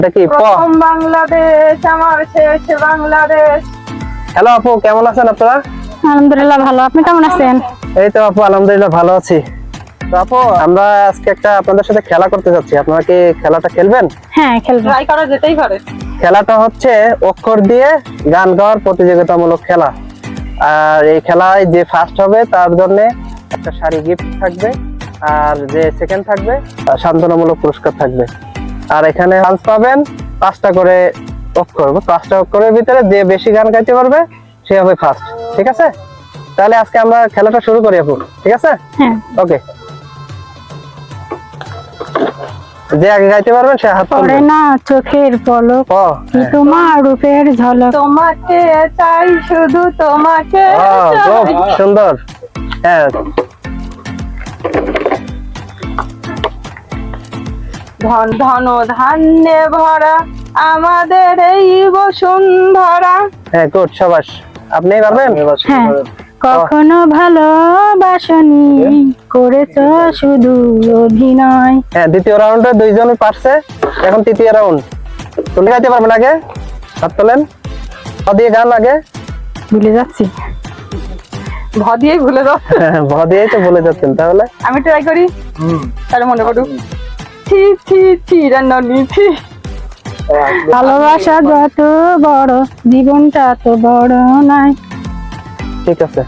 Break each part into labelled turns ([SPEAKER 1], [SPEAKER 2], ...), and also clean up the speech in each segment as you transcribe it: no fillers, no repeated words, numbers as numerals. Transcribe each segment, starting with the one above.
[SPEAKER 1] দেখি
[SPEAKER 2] প্রথম বাংলাদেশ আমার শেষ বাংলাদেশ।
[SPEAKER 1] হ্যালো আপু, কেমন আছেন আপনারা?
[SPEAKER 3] আলহামদুলিল্লাহ ভালো, আপনি কেমন আছেন?
[SPEAKER 1] এই তো আপু, আলহামদুলিল্লাহ ভালো আছি। তো আপু, আমরা আজকে একটা আপনাদের সাথে খেলা করতে যাচ্ছি, আপনারা কি খেলাটা খেলবেন?
[SPEAKER 3] হ্যাঁ খেলবো।
[SPEAKER 2] ট্রাই করা যেতেই পারে।
[SPEAKER 1] খেলাটা হচ্ছে অক্ষর দিয়ে গান গাওয়ার প্রতিযোগিতামূলক খেলা। আর এই খেলায় যে ফার্স্ট হবে তার জন্য একটা শাড়ি গিফট থাকবে, আর যে সেকেন্ড থাকবে তার সান্ত্বনামূলক পুরস্কার থাকবে। আর এখানে চান্স পাবেন 5টা করে অক্ষর, 5টা অক্ষরের ভিতরে যে বেশি গান গাইতে পারবে সে হবে ফার্স্ট। ঠিক আছে, তাহলে আজকে আমরা খেলাটা শুরু করি আপু, ঠিক আছে?
[SPEAKER 3] হ্যাঁ
[SPEAKER 1] ওকে, যে আগে গাইতে পারবেন সে হাত
[SPEAKER 3] পড়ে
[SPEAKER 1] তুলবেন।
[SPEAKER 3] না চোখের পলক,
[SPEAKER 1] ও
[SPEAKER 3] কি তোমার রূপের ঝলক।
[SPEAKER 2] তোমাকে চাই, শুধু তোমাকে
[SPEAKER 1] খুব
[SPEAKER 2] চাই।
[SPEAKER 1] সুন্দর। হ্যাঁ,
[SPEAKER 2] ধন ধন ধান্যে ভরা আমাদের এই বসুন্ধরা।
[SPEAKER 1] হ্যাঁ, গুড, সাবাস। আপনি পারবেন?
[SPEAKER 3] হ্যাঁ, কখনো ভালোবাসনি, করেছো শুধু অভিনয়।
[SPEAKER 1] হ্যাঁ, দ্বিতীয় রাউন্ডে দুইজনই পারছে, এখন তৃতীয় রাউন্ড। তুমি গাইতে পারবেন? আগে হাত তোলেন, দিয়ে গান আগে।
[SPEAKER 3] ভুলে যাচ্ছি।
[SPEAKER 2] ভ দিয়েই ভুলে যাচ্ছে।
[SPEAKER 1] ভ দিয়েই তো বলে যাচ্ছেন, তাহলে
[SPEAKER 2] আমি ট্রাই করি, তাহলে মনে করুক। ছি ছি ছি রান্নি ছি।
[SPEAKER 3] ভালোবাসা যত বড়, জীবনটা তো বড় নয়।
[SPEAKER 1] ঠিক আছে।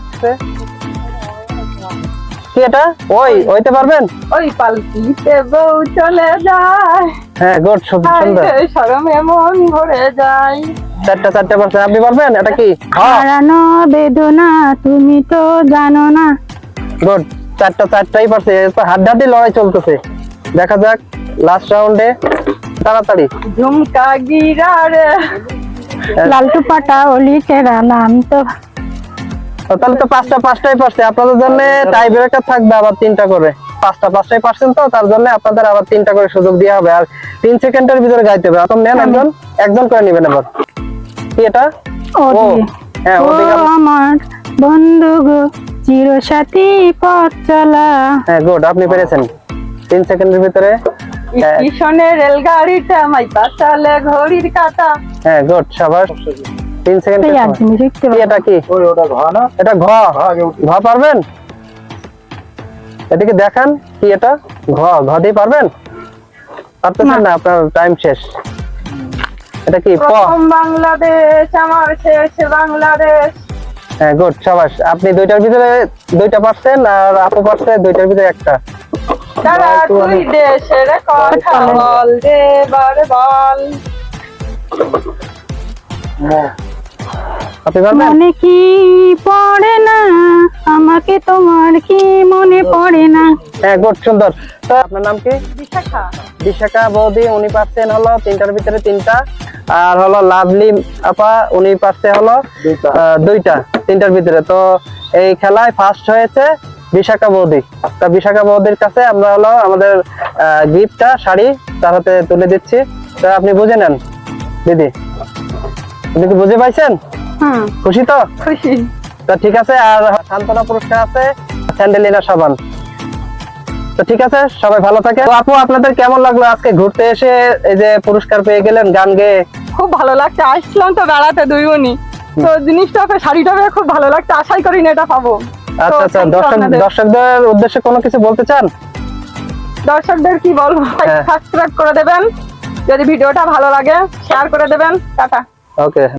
[SPEAKER 1] কি এটা? ওইতে পারবেন?
[SPEAKER 2] ওই পালকিতে বউ চলে যায়,
[SPEAKER 1] হ্যাঁ, গুড, সুন্দর।
[SPEAKER 2] শরমে মন ভরে যায়।
[SPEAKER 1] চারটা পারছেন। আপনি পারবেন? এটা কি?
[SPEAKER 3] হারানো বেদনা তুমি তো জানো না।
[SPEAKER 1] গুড, চারটাই পারছে। হাড্ডাহাড্ডি লড়াই চলতেছে, দেখা যাক লাস্ট রাউন্ডে। তাড়াতাড়ি।
[SPEAKER 2] ঝুমকা গিরারে
[SPEAKER 3] লালটু পাটা অলি কেরা নাম তো।
[SPEAKER 1] তাহলে তো পাঁচটাই পারছে। আপনাদের জন্য টাই ব্রেকার থাকবে আবার 3টা করে। পাঁচটাই পারছেন, তো তার জন্য আপনাদের আবার 3টা করে সুযোগ দেওয়া হবে। আর 3 সেকেন্ডের ভিতরে গাইতে হবে। এখন নেন, একজন করে নেবেন এবার। কি এটা? হ্যাঁ,
[SPEAKER 3] ও আমার বন্ধু গো, চিরসাথী পথ চলা।
[SPEAKER 1] হ্যাঁ, গুড, আপনি পেরেছেন। 3 সেকেন্ডের ভিতরে।
[SPEAKER 2] স্টেশনে রেলগাড়িটা মাইপা চলে ঘড়ির কাঁটা।
[SPEAKER 1] হ্যাঁ, গুড, সাবাস। 3 সেকেন্ড। এটা কি?
[SPEAKER 4] ওটা ঘ না?
[SPEAKER 1] এটা ঘ। ঘ পারবেন? এটাকে দেখান, কি এটা? ঘ দিয়ে পারবেন? পারতেছেন না, আপনার টাইম শেষ। এটা কি? প।
[SPEAKER 2] প্রথম বাংলাদেশ আমার শেষ বাংলাদেশ।
[SPEAKER 1] হ্যাঁ, গুড, সাবাস। আপনি 2টার ভিতরে 2টা পারছেন, আর আপু পারছে 2টার ভিতরে 1টা।
[SPEAKER 2] তারা তুই দেশের কথা বল রে বল।
[SPEAKER 1] আপনি পারবেন?
[SPEAKER 3] মনে কি পড়ে না আমাকে, তোমার কি মনে পড়ে না?
[SPEAKER 1] হ্যাঁ, গুড, সুন্দর। তো আপনার নাম কি?
[SPEAKER 2] বিশাখা।
[SPEAKER 1] বিশাখা বৌদি, উনি পারছেন হলো 3টার ভিতরে 3টা। আর হলো লাভলি আপা, উনি পারছে হলো 2টা 3টার ভিতরে। তো এই খেলায় ফার্স্ট হয়েছে বিশাখা বৌদি। তা বিশাখা বৌদির কাছে আমরা হলো আমাদের গিফটটা শাড়ি তার হাতে তুলে দিচ্ছি। তো আপনি বুঝে নেন দিদি, আপনি কি বুঝে পাইছেন? খুশি তো?
[SPEAKER 2] খুশি।
[SPEAKER 1] তো ঠিক আছে। আর সান্ত্বনা পুরস্কার আছে, স্যান্ডেলিনা সাবান। তো ঠিক আছে, সবাই ভালো থাকে। তো আপু, আপনাদের কেমন লাগলো আজকে ঘুরতে এসে এই যে পুরস্কার পেয়ে গেলেন গান গেয়ে?
[SPEAKER 2] খুব ভালো লাগছে, আসলাম তো বেড়াতে দুই বোনই, তো জিনিসটা শাড়িটা খুব ভালো লাগছে, আশাই করি না এটা পাবো।
[SPEAKER 1] আচ্ছা, দর্শকদের উদ্দেশ্যে কোনো কিছু বলতে চান?
[SPEAKER 2] দর্শকদের কি বলবো, সাবস্ক্রাইব করে দেবেন, যদি ভিডিওটা ভালো লাগে শেয়ার করে দেবেন। টাটা।
[SPEAKER 1] ওকে।